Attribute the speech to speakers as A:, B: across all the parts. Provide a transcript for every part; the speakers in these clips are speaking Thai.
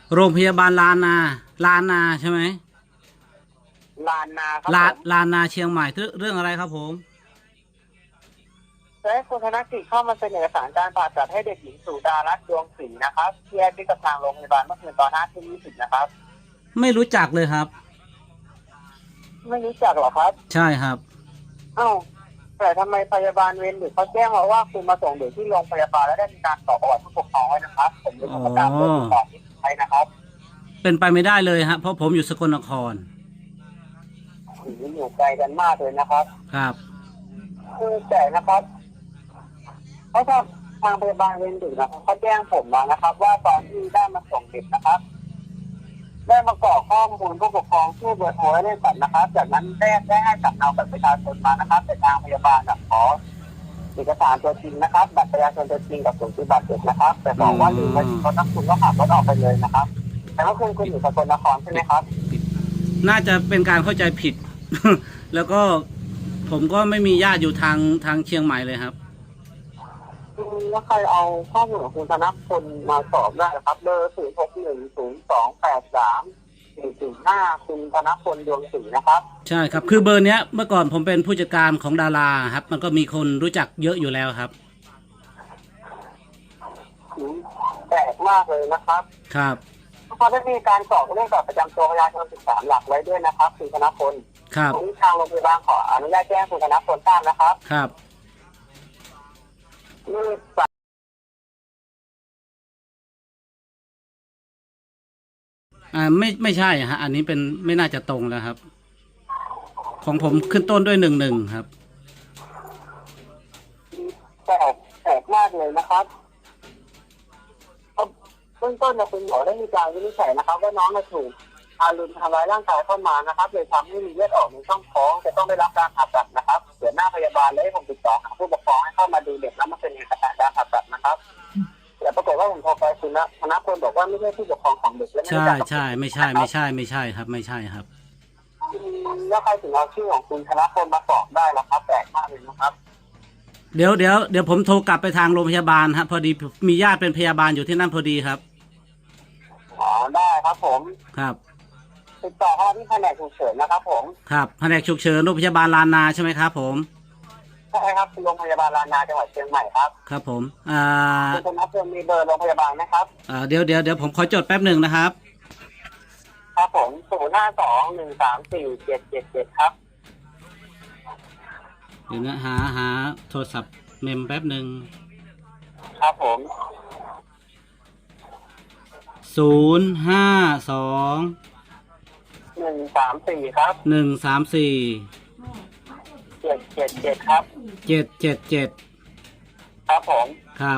A: โรงพยาบาลลานนาใช่ไหม
B: ลานนาครับ
A: ลา
B: ผม
A: ลานนาเชียงใหม่เรื่องอะไรครับผม
B: จะให้คุณธนกิจเข้ามาเซ็นเอกสารการผ่าตัดให้เด็กหญิงสุดารัตน์ดวงศรีนะครับที่แยกที่กับทางโรงพยาบาลเมื่อคืนตอน5 ทุ่ม 20นะครับ
A: ไม่รู้จักเลยครับ
B: ไม่รู้จักหรอครับ
A: ใช่ครับ
B: เอ้าแต่ทำไมพยาบาลเวรดึกเขาแจ้งมาว่าคุณมาส่งเด็กที่โรงพยาบาลแล้วได้มีการสอบประวัติผู้ปกครองไว้นะครับผมจะ
A: อ๋อ
B: ทำการตรวจสอบที่ไปนะครับ
A: เป็นไปไม่ได้เลยฮะเพราะผมอยู่สกลนคร
B: อยู่ไกลกันมากเลยนะครับ
A: ครับ
B: คือแต่นะครับเพราะทางพยาบาลเวรดึกนะครับเขาแจ้งผมมานะครับว่าตอนที่ได้มาส่งเด็กนะครับได้มากรอกข้อมูลผู้ปกครองชื่อเบอร์โทรให้ได้สัตว์นะครับจากนั้นได้ให้สำเนาบัตรประชาชนมานะครับแต่ทางพยาบาลขอเอกสารตัวจริงนะครับบัตรประชาชนตัวจริงกับสูติบัตรเด็กนะครับแต่บอกว่าลืมไว้ที่รถนักคุณก็ขับรถออกไปเลยนะครับแต่ว่าคุณอยู่สกลนครใช่ไหมครับ
A: น่าจะเป็นการเข้าใจผิด แล้วก็ผมก็ไม่มีญาติอยู่ทางเชียงใหม่เลยครับ
B: แล้วใครเอาข้อมูลของคุณธนพลมาสอบได้ครับเบอร์0610283405คุณธนพลดวงศรีนะครับ
A: ใช่ครับคือเบอร์เนี้ยเมื่อก่อนผมเป็นผู้จัดการของดาราครับมันก็มีคนรู้จักเยอะอยู่แล้วครับ
B: แปลกมากเลยนะครับ
A: ครับ
B: เขาได้มีการสอบเรื่องบัตรประจำตัวประชาชน13 หลักไว้ด้วยนะครับคุณธนพล
A: ครับ
B: วันนี้ทางโรงพยาบาลขออนุญาตแจ้งคุณธนพลทราบนะครับ
A: ครับ
B: นี่
A: ไม่ใช่ฮะอันนี้เป็นไม่น่าจะตรงแล้วครับของผมขึ้นต้นด้วย11ครับ
B: แปลกมากเลยนะครับเบื้องต้นคุณหมอได้มีการวินิจฉัยนะครับว่าน้องถูกทารุณทำร้ายร่างกายเข้ามานะครับเลยทำให้มีเลือดออกในช่องท้องจะต้องได้รับการผ่าตัดนะครับเดี๋ยวหน้าพยาบาลเลยผมติดต่อหาผู้ปกครองให้เข้ามาดูเด็กแล้วมาเป็นเอกสารการผ่าตัดนะครับแต่ปรากฏว่าผมโทรไปคุณธนพลบอกว่าไม่ใช่ผู้ปกครองของเด็กและไม่ได้
A: ใช่ไม่ใช่ครับไม่ใช่ครับ
B: แล้วใครถึงเอาชื่อของคุณธนพลมาสอบได้ล่ะครับแปลกมากเลยนะครับ
A: เดี๋ยวผมโทรกลับไปทางโรงพยาบาลครับพอดีมีญาติเป็นพยาบาลอยู่ที่นั่นพอดีครับ
B: อ๋อได้ครับผม
A: ครับ
B: ติดต่อเข้าที่แผนกฉุกเฉินนะครับผม
A: ครับแผนกฉุกเฉินโรงพยาบาลลานนาใช่ไหมครับผม
B: ใช่ครับโรงพยาบาลลานาจังหวัดเชียงใหม่ครับ
A: ครับผม
B: คุณธนพลมีเบอร์โรงพยาบาลไหมครับ
A: เดี๋ยวผมขอจดแป๊บหนึ่งนะครับ
B: ครับผม0521347777ครับ
A: เดี๋ยวนะหาโทรศัพท์เมมแป๊บหนึ่ง
B: ครับผม
A: 052
B: 134ครับ
A: 134
B: 777ครับ
A: 777
B: ครับผม
A: ครับ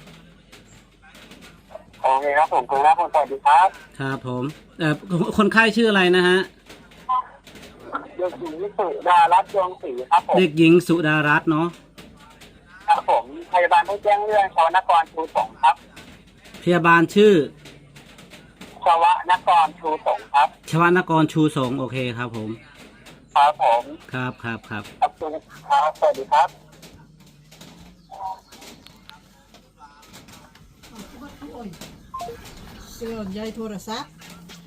B: โอเคครับผมคุณธนพลสวัสดีครับ
A: ครับผมคนไข้ชื่ออะไรนะฮะ
B: เด็กหญิงสุดารัตน์ดวงศรีครับผม
A: เด็กหญิงสุดารัตน์เนาะ
B: ครับผมพยาบาลผู้แจ้งเรื่องชวนกรชูสงครับ
A: พยาบาลชื่อ
B: ชวนกรชูสงครับ
A: ชวนกรชูสงโอเคครับผม
B: ครับผม
A: ครับ
B: ขอบคุณครับสวัสดีครับ
C: เสื่อมใยโทรศัพท์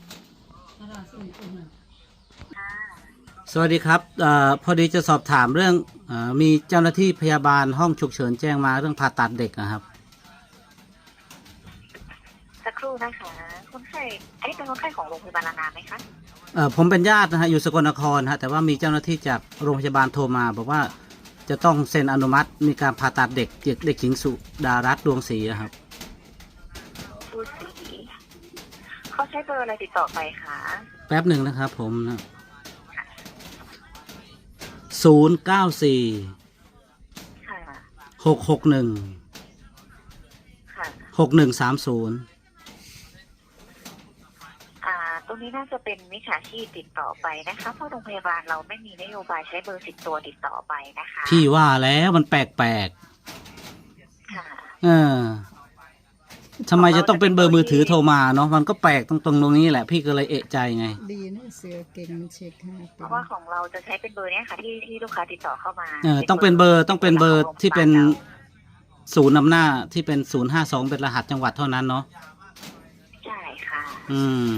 A: สวัสดีครับพอดีจะสอบถามเรื่องมีเจ้าหน้าที่พยาบาลห้องฉุกเฉินแจ้งมาเรื่องผ่าตัดเด็กนะครับ
D: สักครู่นะคะคนไข้อันนี้เป็นคนไข้ของโรงพยาบาลลานาไหมคะ
A: ผมเป็นญาตินะฮะอยู่สกลนครฮะแต่ว่ามีเจ้าหน้าที่จากโรงพยาบาลโทรมาบอกว่าจะต้องเซ็นอนุมัติมีการผ่าตัดเด็กหญิงสุดารัตน์ดวงศรีครับ
D: ผู้สีเขาใช้เบอร์อะไรติดต่อไปคะ
A: แป๊บหนึ่งนะครับผมนะ094
D: ค่ะ
A: 661
D: ค่ะ
A: 6130
D: ตรงนี้น่าจะเป็นมิจฉาชีพติดต่อไปนะคะเพราะโรงพยาบาลเราไม่มีนโยบายใช้เบอร์10 ตัวติดต่อไปนะคะ
A: พี่ว่าแล้วมันแปลก
D: ค่ะ
A: ทำไมจะต้องเป็นเบอร์มือถือโทรมาเนาะมันก็แปลกตรงนี้แหละพี่ก็เลยเอะใจไง
C: ดีนะเสือเก่งมันเช็คให้
D: เพราะว่าของเราจะใช้เป็นเบอร์นี้ค่ะที่ลูกค้าติดต่อเข้ามา
A: ต้องเป็นเบอร์ที่เป็นศูนย์นำหน้าที่เป็น052เป็นรหัสจังหวัดเท่านั้นเนาะ
D: ใช่ค่ะ
A: อืม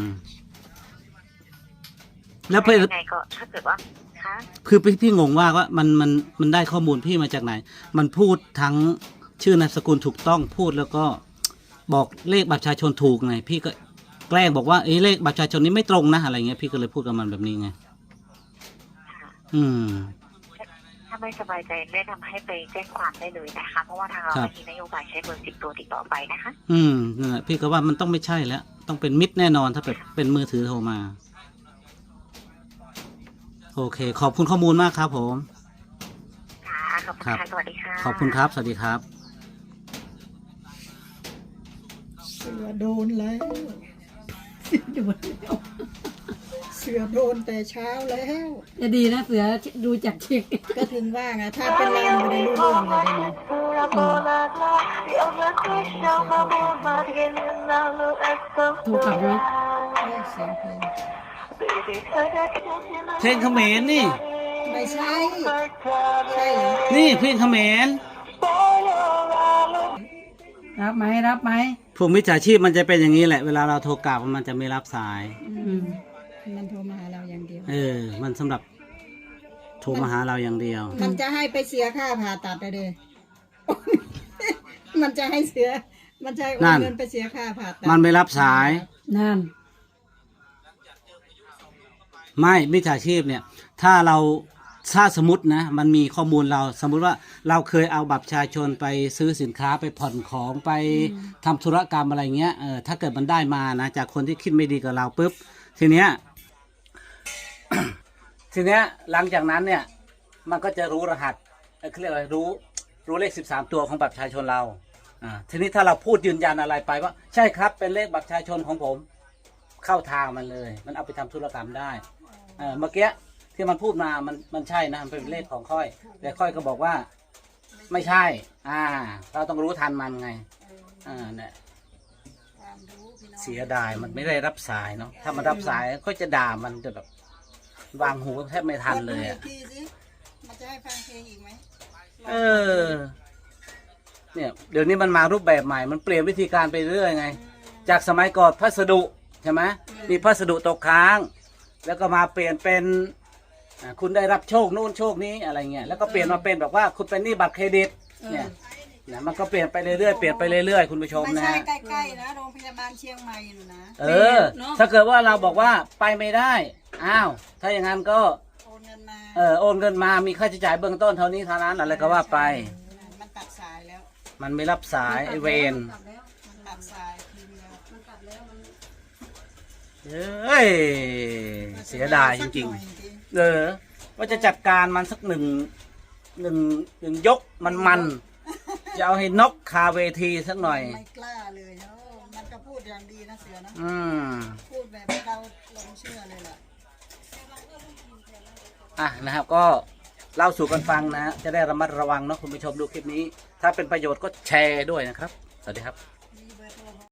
A: แล้วเพื่อน
D: ยังไงก็ถ้าเกิดว่าคะ
A: คือพี่งงว่ามันได้ข้อมูลพี่มาจากไหน มันพูดทั้งชื่อนามสกุลถูกต้องพูดแล้วก็บอกเลขบัตรประชาชนถูกไง พี่ก็แกล้งบอกว่าเลขบัตรประชาชนนี้ไม่ตรงนะอะไรเงี้ยพี่ก็เลยพูดกับมันแบบนี้ไง
D: ค่ะ
A: อืม
D: ถ้าไม่สบายใจแนะนำให้ไปแจ้งความได้เลยนะคะ เพราะว่าทางเรา
A: ครับ
D: ไม่มีนโยบายใช้เบอร์10 ตัวติดต่อไปนะคะ
A: นั่นแหละพี่ก็ว่ามันต้องไม่ใช่แล้ว ต้องเป็นมิตรแน่นอนถ้าเป็นมือถือโทรมา โอเค ขอบคุณข้อมูลมากครับผม
D: ค่ะขอบคุณ
A: ครับ
D: ค่ะสวัสดีค่ะ
A: ขอบคุณครับ สวัสดีครับ
C: เสือโดนแล้วโดนแล้วเสือโดนแต่เช้าแล้ว
E: จะดีนะเสือดูจากเช็ค
C: ก็ถึงว่าไงถ้าเป็นเราไม่ได้รู้เรื่องเลยได้ไหม
E: ถูกขับไหม
C: เสียงเพลง
A: เพลงเขมรนี่
C: ไม่ใช่ใช่เหรอ
A: นี่เพลงเขมร
E: รับไหมรับไหม
A: พวกมิจฉาชีพมันจะเป็นอย่างนี้แหละ เวลาเราโทรกลับมันจะไม่รับสาย
E: อืม
C: มันโทรมาหาเราอย่างเดียว
A: มันสำหรับโทรมาหาเราอย่างเดียว
C: มันจะให้ไปเสียค่าผ่าตัดเลย มันจะให้เสีย มันจะให้โอ
A: นั่
C: น
A: น
C: เงินไปเสียค่าผ่าตัด
A: มันไม่รับสาย
E: นั่น
A: ไม่มิจฉาชีพเนี่ย ถ้าสมมตินะ มันมีข้อมูลเรา สมมุติว่าเราเคยเอาบัตรประชาชนไปซื้อสินค้าไปผ่อนของไปทำธุรกรรมอะไรเงี้ยถ้าเกิดมันได้มานะ จากคนที่คิดไม่ดีกับเราปุ๊บทีเนี้ย ทีเนี้ยหลังจากนั้นเนี่ย มันก็จะรู้รหัสเขาเรียกอะไรรู้เลข13 ตัวของบัตรประชาชนเราทีนี้ถ้าเราพูดยืนยันอะไรไปว่าใช่ครับเป็นเลขบัตรประชาชนของผม เข้าทางมันเลย มันเอาไปทำธุรกรรมได้เมื่อกี้ที่มันพูดมามันใช่นะมันเป็นเลขของค่อย แต่ค่อยก็บอกว่า ไม่ใช่ เราต้องรู้ทันมันไงเนี่ยเสียดายมันไม่ได้รับสายเนาะถ้ามันรับสายก็จะด่ามันจะแบบวางหูแทบไม่ทันเลยอ่ะ
C: กดดูอีกทีสิมันจะให้ฟังเพลงอีกไหม
A: เนี่ยเดี๋ยวนี้มันมารูปแบบใหม่มันเปลี่ยนวิธีการไปเรื่อยไง จากสมัยก่อนพัสดุใช่ไหมมีพัสดุตกค้าง แล้วก็มาเปลี่ยนเป็นคุณได้รับโชคนู่นโชคนี้อะไรเงี้ยแล้วก็เปลี่ยนมาเป็นแบบว่าคุณเป็นหนี้บัตรเครดิตเนี่ยมันก็เปลี่ยนไปเรื่อยๆเปลี่ยนไปเรื่อยๆคุณผู้ชม
C: ไม่
A: นะ
C: ใช่
A: ฮะ
C: ใกล้ๆนะโรงพยาบาลเชียงใหม่น่ะนะ
A: ถ้าเกิดว่าเราบอกว่าไปไม่ได้อ้าวถ้าอย่างนั้นก็
C: โอนเงินมา
A: โอนเงินมามีค่าใช้จ่ายเบื้องต้นเท่านี้เท่านั้นอะไรก็ว่าไป
C: มันตัดสายแล้ว
A: มันไม่รับสายไอเวน
C: มันตัดสายทีเดียว
A: เอ้ยเสียดายจริงๆว่าจะจัดการมันสักหนึ่งยกมันจะเอาให้นกคาเวทีสักหน่อย
C: ไม่กล้าเลยเนาะมันก็พูดอย่างดีนะเสือนะ พูดแบบเราหลงเชื่อเลยล่ะ
A: นะครับก็เล่าสู่กันฟังนะ จะได้ระมัดระวังเนาะคุณผู้ชมดูคลิปนี้ ถ้าเป็นประโยชน์ก็แชร์ด้วยนะครับ สวัสดีครับ